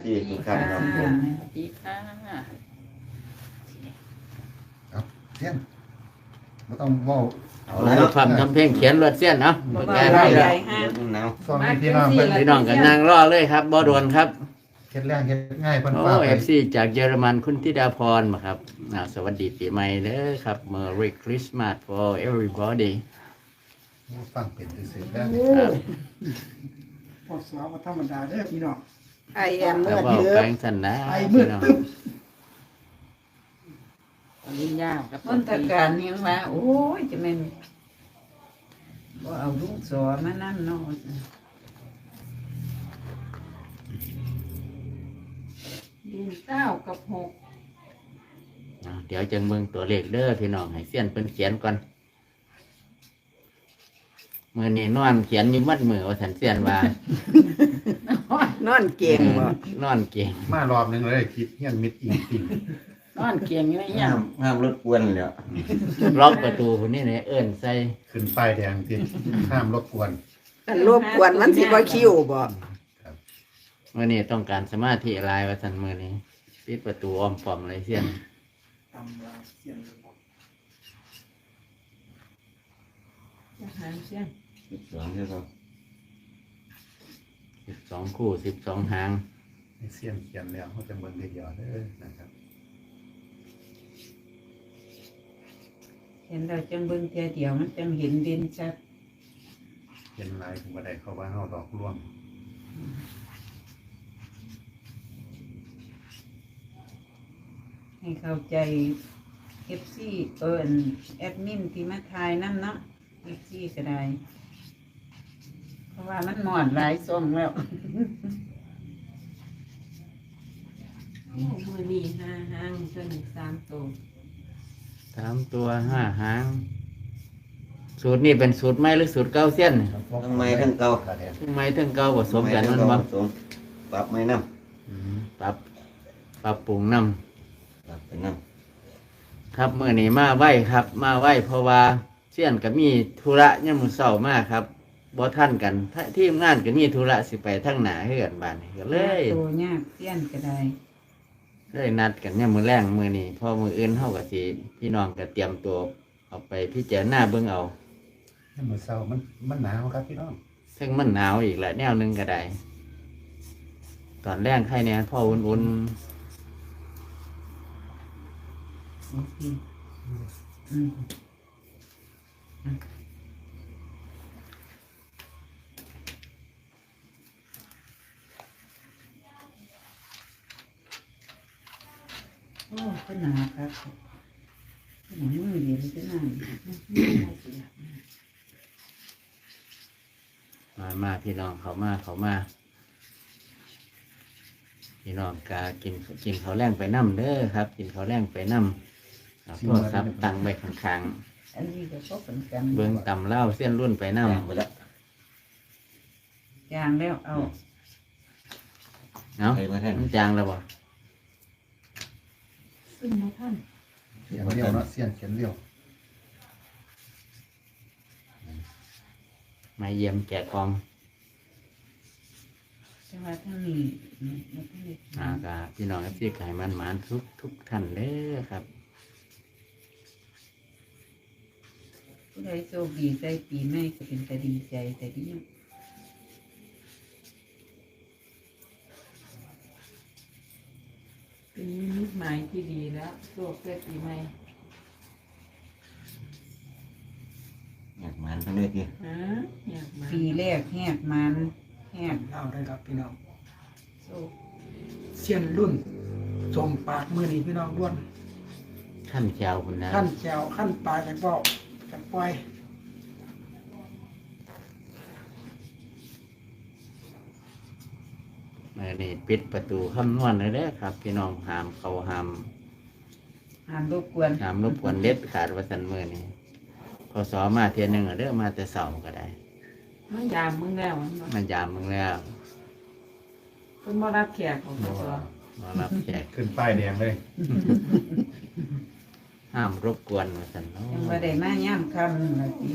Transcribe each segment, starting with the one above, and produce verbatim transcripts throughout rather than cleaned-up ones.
ดีทุกท่านครับผมสวัสดีค่ะเอาเสี้ยนไม่ต้องเว่าเอาเอาแล้วละความทำเพลงเขียนรวดเส้นเนาะบ่ปากว่ากาใหให้ญ่แล้วๆฮะเดี๋ยวน้ำส่วนพี่น้องมาเพิ่นจังสิพี่น้องกันนางรอเลยครับบ่ด่วนครับเฮ็ดแรงเฮ็ดง่ายเพิ่นโอ้ฟ้าไปเอฟซีจากเยอรมันคุณธิดาพรมาครับอ่าสวัสดีปีใหม่เด้อครับ Merry Christmas for everybody ฟังเป็นซื่อๆแล้วครับพอสาวธรรมดาเด้อพี่น้องไอแอมแล้เมื่วอก็เถือแปลงสันนะไอ้มืพี่ดน้องตึ๊บลินยากับมนตการยังว่าโอ้ยจะแม่นบ่เอาลูกสอมานั่นเนาะดินเก้ากับหกอ่าเดี๋ยวจังเบิ่งตัวเลขเด้อพี่น้องให้เสี้ยนเพิ่นเขียนก่อนมื้อนี้นอนเขียนอยู่มัดมือว่าสันเสี้ยนว่านอนเก่งบ่นอนเก่งมารอบหนึงเลยคิดเฮียนมิดอิงปิ่งนอนเก่งอยู่ในยัห้าง มห้ามรถกวนเลยล็อกประตูคนนี้เนี่ยเอิ้นใส่ขึ้นป้ายแดงที่ห้ามรบกวนกันรบกวนมันสิบ่คิวบ่มื้อนี้ต้องการสมาธิหลายว่าซั่นมื้อนี้ปิดประตูอ้อมป้อมเลยเสี้ยนตำราเสียนจะหาเสียงสองใช่ครับสิบสองคู่สิบสองหางให้เสี้ยนเขียนแล้วเขาจะเบิ่งเดียวๆเด้อนะครับเห็นเราจังเบิ่งเทียเดียวมันจังเห็นเด่นชัดเขียนลายถึงบ่ได้เข้าว่าเฮาดอกร่วงให้เข้าใจ เอฟ ซี เอิ้นแอดมินที่มาทายนํเนาะ เอฟ ซี ก็ได้ เพราะว่ามันหมอนหลายซ่องแล้วมือนีห้าห้างจนสามตัวสามตัวห้าหาง สูตรนี้เป็นสูตรใหม่หรือสูตรเก่าเสี้ยนทั้งไม้ทั้งเก่าทั้งใหม่ทั้งเก่าผสมกันมันบ่ผสมปรับไม้น้อืมปรับปรับปรุงน้ำปรับไปน้ำครับเมื่อนี้มาไหวครับ มาไหวเพราะว่าเสี้ยนก็มีธุระเนี่ยามมือเศร้ามากครับบ่ท่านกันถ้าทีมงานก็มีธุระสิไปทั้งหนาเฮือนบ้านนี่ก็เลยตัวยากเสี้ยนก็ได้เลยนัดกันเนี่ยามมือแรงมือนี้พอมืออื่นเฮาก็สิพี่น้องก็เตรียมตัวเอาไปพิจารณาเบิ่งเอาให้มื้อเช้ามันมันหนาวครับพี่น้องซึ่งมันหนาวอีกแหละแนวหนึงก็ได้ ตอนแรกใครเนี่ยพ่ออุ่นโอเคอืมโอ้ก็หนาครับหนามือเดียวก็หนาๆมามาพี่น้องเขามาเขามาพี่น้องกากินกินเขาวแรงไปน้ำเด้อครับ กินเขาวแรงไปน้ำเอาโทรศัพท์ตั้งไว้ข้างอันนี้ก็พบกันกันๆเบิ่งตำเล่าเส้นรุ่นไปน้ำไปแล้วจางแล้วเอาำเนาะไปมาแท่นมันจางแล้วบ่ซึ่งนะท่านเขียนเรียวเนาะเสี้ยนเขียนเรียวมาเยี่ยมแกะกองแต่ว่าท่านนี้แล้วท่านนี้อ่ากาพี่น้องที่ไก่มันหมานทุกทุกท่านเด้อครับผู้ใดโชคดีใจปีใหม่ก็เป็นแต่ดีใจแต่ดีปีนี้มิตหมายที่ดีแล้วโชคเพื่อปีใหม่อยากมันทั้งด้วยทีฮะอยากมาปีแรกแหกมันแหกเล่าได้ครับพี่น้องโชคเสียนรุ่นส่งปากมือนี้พี่น้องด้วนขั้นแจวคุณนะขั้นแจวขั้นปลาจากเบ้าจากปล่อยเมื่อนี้ปิดประตูคำนวณเลยเด้อครับ พี่น้องห้ามเขาห้ามห้ามรบกวนห้ามรบกวนเด็ดขาดว่าสันมือนี้พอสอมาเทียนหนึ่งเด้อมาแต่เสาก็ได้มันยามมึงแล้วมันบ่มันยามมึงแล้วเพิ่นมารับแขกของตัวมารับแขกขึ้นป้ายแดงเลยห้ามรบกวนว่าสันเนาะยังว่าได้มาย่ำคำหนึ่งละที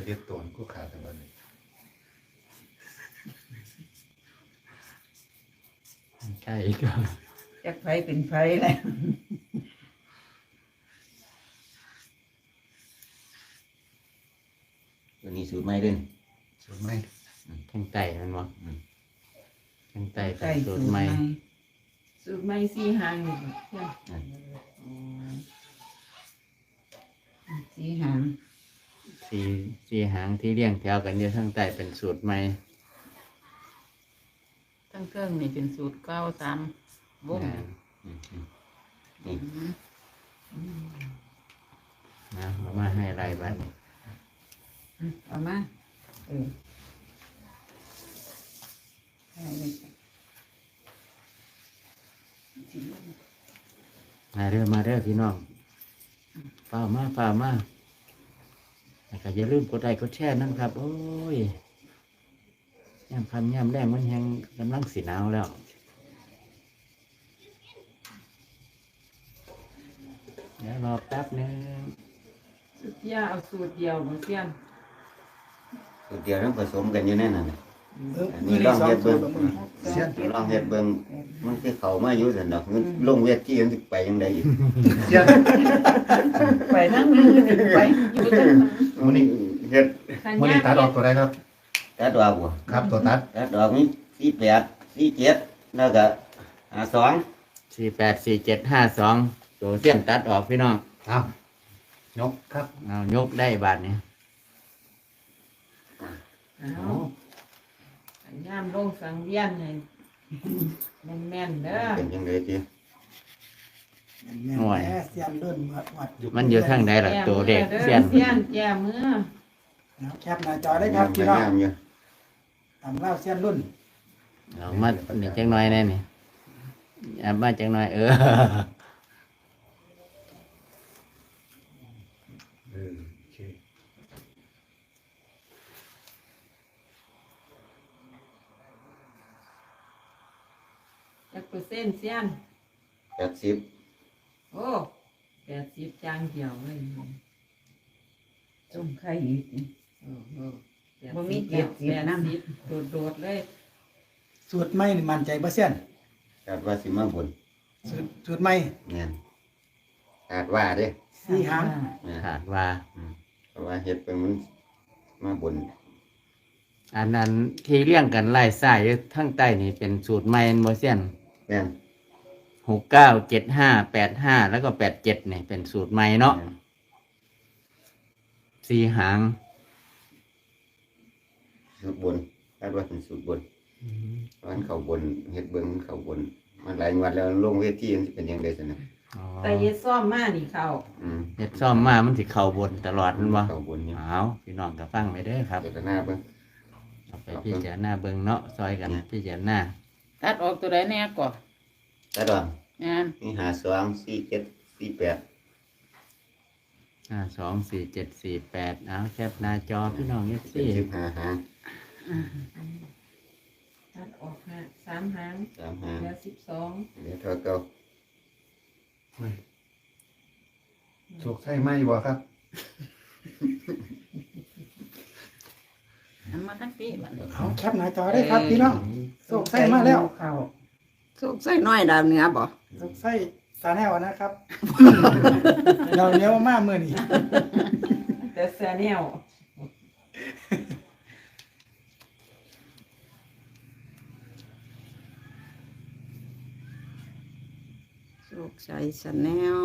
เฮ็ดตัวกูขาดแต่บัดนี้ใช่ก็จักไฟเป็นไฟแล้วตัวนี้สูตรใหม่เด่นสูตรไหมทั้งไต่มันบ่ทั้งไต่ใส่เป็นสูสูตตรรใหใหม่ม่สูตรไม่สี่หางนี่เพื่อนสีหางสีสีหางที่เรียงแถวกันอยู่ทั้งไต่เป็นสูตรใหม่ทั้งเครื่องนี่เป็นสูตรเก้าตามวงนะอืมอืมนี่นะเอามาให้รายบัตรเอามาเออให้เลยจ้ะมาเด้อมาเด้อพี่น้องฝ้าวมาฝ้าวมาแล้วก็อย่าลืมกดไลค์กดแชร์นั่นครับ โอ้ยย่ำคำย่ำแรงมันยังกำลังสีหนาวแล้ว เดี๋ยวรอแป๊บนึงสุดยาเอาสูตรเดียวบ่เพื่อนสูตรเดียวต้องผสมกันอยู่แน่นอนน่ะเอออันมืนี้อลนี้องสองเฮ็ดสูเบิ่ตงรบ่มือเสียลองเฮ็ดเบิ่งมันคือเข้ามาอยู่ซั่นดอกมันลงเวทีมันสิไปจังไดอีกเสียนไปทั้งมือนี่ไปอยู่ทั้งมื้อนี้เฮ็ดขันมื้อนี้ยาตัดออกตัวใดครับตัดดอกบ่ครับตัวตัดตัดดอกมีสี่แปดสี่เจ็ดแล้วก็ห้าสองสี่แปดสี่เจ็ดห้าสองตัวเสี้ยนตัดออกพี่น้องเอายกครับเอายกได้บาทนี้เอาขันยามลงสังเวียนให้แม่นๆเด้อเป็นจังไดติหน่วยแม่เสียนรุ่นวัดวัดมันอยู่ทางใดล่ะตัวเด็กแก้เสี้ยนมือเด้อเสียนแก้มือเอาแคปหน้าจอได้ครับพี่น้องงามอยู่ตำเล่าเสียนรุ่นเอามาหนึ่งจังน้อยแน่นี่เอามาจังน้อยเออเออโอเคจักเปอร์เซ็นต์เสียนแปดสิบโอ้แปดสิบจางเดียวเลยจุ่มไข่อีกนี่โอ้โหบ่มีเจ็ดสิบแปดนำสิบโดดๆเลยสูตรใหม่นี่มั่นใจบ่เสียนคาดว่าสิมาบนสูตรสูตรใหม่แม่นคาดว่าเด้สี่หางแม่นขาดว่าอืมเพราะว่าเฮ็ดเพิ่นมันมาบนอันนั้นที่เรียงกันไล่สายอยู่ทั้งใต้นี่เป็นสูตรใหม่แม่นบ่เสี้ยนแม่นหกเก้าเจ็ดห้าแปดห้าแล้วก็แปดเจ็ดนี่เป็นสูตรใหม่เนาะแม่นสี่หางสูตรบนคาดว่าเป็นสูตรบนวันเข้าบนเฮ็ดเบิ่งมันเข้าบน มันหลายงวดแล้วลงเวทีมันสิเป็นจังไดซั่นน่ะอ๋อแต่เฮ็ดซ่อมมานี่เขาอืมเฮ็ดซ่อมมามันสิเข้าบนตลอดแมันบ่เข้าบนอยู่เอาพี่น้องก็ฟังไปเด้อครับเจตนาเบิ่งเอาไปพิจารณาเบิ่งเนาะซอยกันพิจารณาตัดออกตัวใดแน่ก่อนตัดดอกงานมีห้าสองสี่เจ็ดสี่แปดห้าสองสี่เจ็ดสี่แปดเอาแคปหน้าจอพี่น้องเอฟเป็นซีสิบห้าหางตัดออกห้าสามหางสามหางเหลือสิบสองเหลือเท่าเก่าสุกใช่ไหมบ่ครับทำมาทั้งปีบัดนี้เอาแคปหน้าจอได้ครับพี่น้องโศกไส้มาแล้วเข้าสุกใส่น้อยดาวเหนือบ่โศกไส้สาแนวนะครับ เราเนี้ยวมากมือนี่แต่แซนแนลสุกใส่สแนล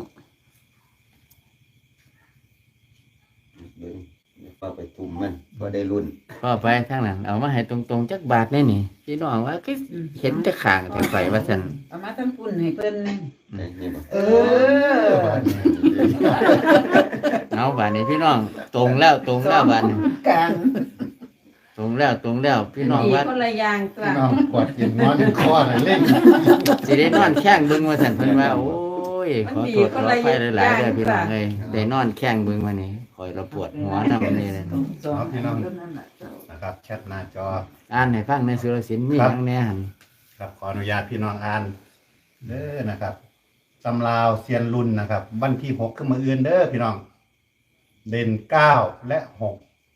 เบิ่งเดี๋ยวพอไปตุ่มมันพอได้รุ่นพ่อไปทางนั้นเอามาให้ตรงๆจักบาทแน่นี่พี่น้องว่าคือเห็นจะขางแต่ไฟว่าซั่นเอามาทั้งปุ่นให้เพิ่นนี่ได้นี่บ่เออเอาบาทนี้พี่น้องตรงแล้วตรงแล้วบาทนี้กลางตรงแล้วตรงแล้วพี่น้องดีว่าคนละอย่างตัวน้องกวาดกินนอนกินคอน่ะเล่นสิได้นอนแข้งเบิ่งว่าซั่นเพิ่นว่าโอ้ยขอโทษขออภัยหลายๆเด้อพี่น้องเอ้ยได้นอนแข้งเบิ่งมานี่คอยระปวดหัวนำนี่เลยสองพี่น้องเท่านั้นล่ะนะครับแคปหน้าจออ่านให้ฟังในสุรศิลป์มีหยังแหน่หั่นครับขออนุญาตพี่น้องอ่านเด้อนะครับตำราวเซียนรุ่นนะครับวันที่หกขึ้นมาอื่นเด้อพี่น้อง เด่นเก้าและหก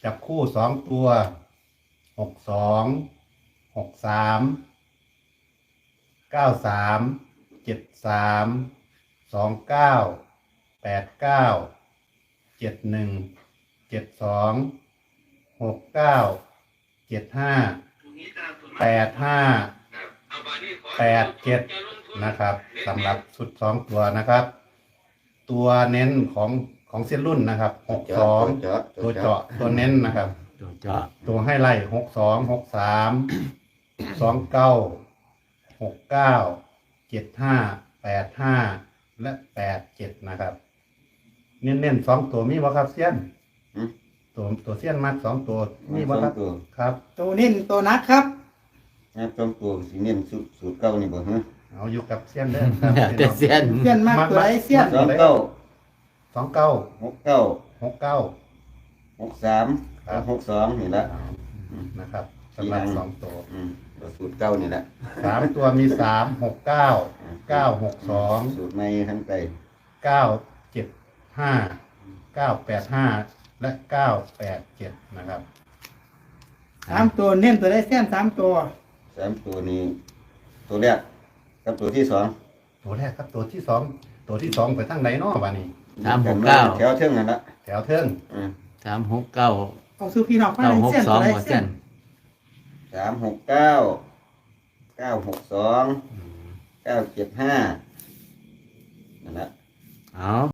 จับคู่สองตัวหกสองหกสามเก้าสามเจ็ดสามสองเก้าแปดเก้าเจ็ดหนึ่งเจ็ดสองหกเก้าเจ็ดห้าแปดห้าแปดเจ็ดนะครับสำหรับชุดสองตัวนะครับ ตัวเน้นของของเส้นรุ่นนะครับหกสองเจาะตัวเจาะตัวเน้นนะครับตัวเจาะตัวให้ไล่หกสองหกสามสองเก้าหกเก้าเจ็ดห้าแปดห้าและแปดเจ็ดนะครับ เน้นๆสองตัวมีบ่ครับเซียนหืมตัวตัวเซียนมักสองตัวมีมีบ่บ่คครัรับบตัวครับตัวนิ่นตัวนักครับงับสองตัวสิเน้นสูตรสูตรเก่านี่บ่ฮะเอาอยู่กับเซียนเด้อครับแต่เสียนเสี้ยนมากตัวไหนเสี้ยนสองเก้าสองเก้าหกเก้าหกเก้าหกสามครับหกสองนี่ละนะครับสำหรับสองตัวอืมตัวสูตรเก่านี่แหละสามตัวมีสามหกเก้าเก้าหกสองสูตรใหม่ทั้งไกลเก้าเจ็ดห้าเก้าแปดห้าและเก้าแปดเจ็ดนะครับสามตัวเน้นตัวได้เสี้ยนสามตัวสามตัวนี้ ตัวแรกกับตัวที่สองตัวแรกครับตัวที่สองตัวที่สองไปทางไหนเนาะบ้านี้สามหกเก้าแถวเท่งนั่นละแถวเทิงอืมสามหกเก้าเอาซื้อพี่น้องมาเก้าเลยหกเสี้ยนสอตัวงได้หัวเสี้เส้ยนนสามหกเก้าเก้าหกสองเก้าเจ็ดห้านั่นละเอา